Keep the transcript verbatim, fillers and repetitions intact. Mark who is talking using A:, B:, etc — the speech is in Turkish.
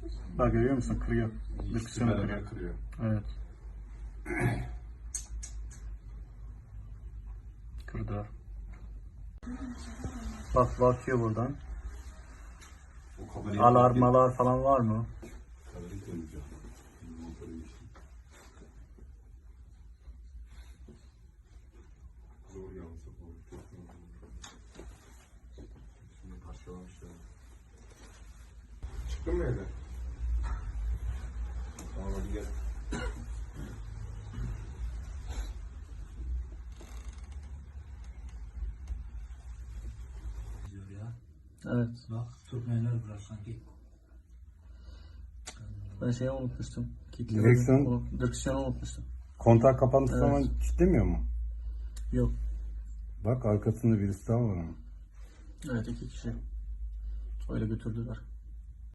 A: Bak görüyor musun? Kırıyor.
B: İkisi
A: Direksiyonu kırıyor.
B: beraber kırıyor.
A: Evet. Kırdılar. Bak bakıyor buradan.
B: O kamerayı
A: Alarmalar falan var mı?
B: Kamerayı koyacağım. Motoru geçtim. Zor yalnız. Çok zor. Şimdi parçalamışlar. Çıktın mı evden? Tamam hadi gel.
A: Evet.
C: Bak sürtmeyenler biraz sanki.
A: Ben şeyi unutmuştum. Kilitli
D: Direksiyon-
A: unut- Direksiyonu unutmuştum.
D: Kontak kapandığı
A: Evet.
D: zaman kilitlemiyor mu?
A: Yok.
D: Bak arkasında birisi daha var ama.
A: Evet iki kişi. Öyle götürdüler.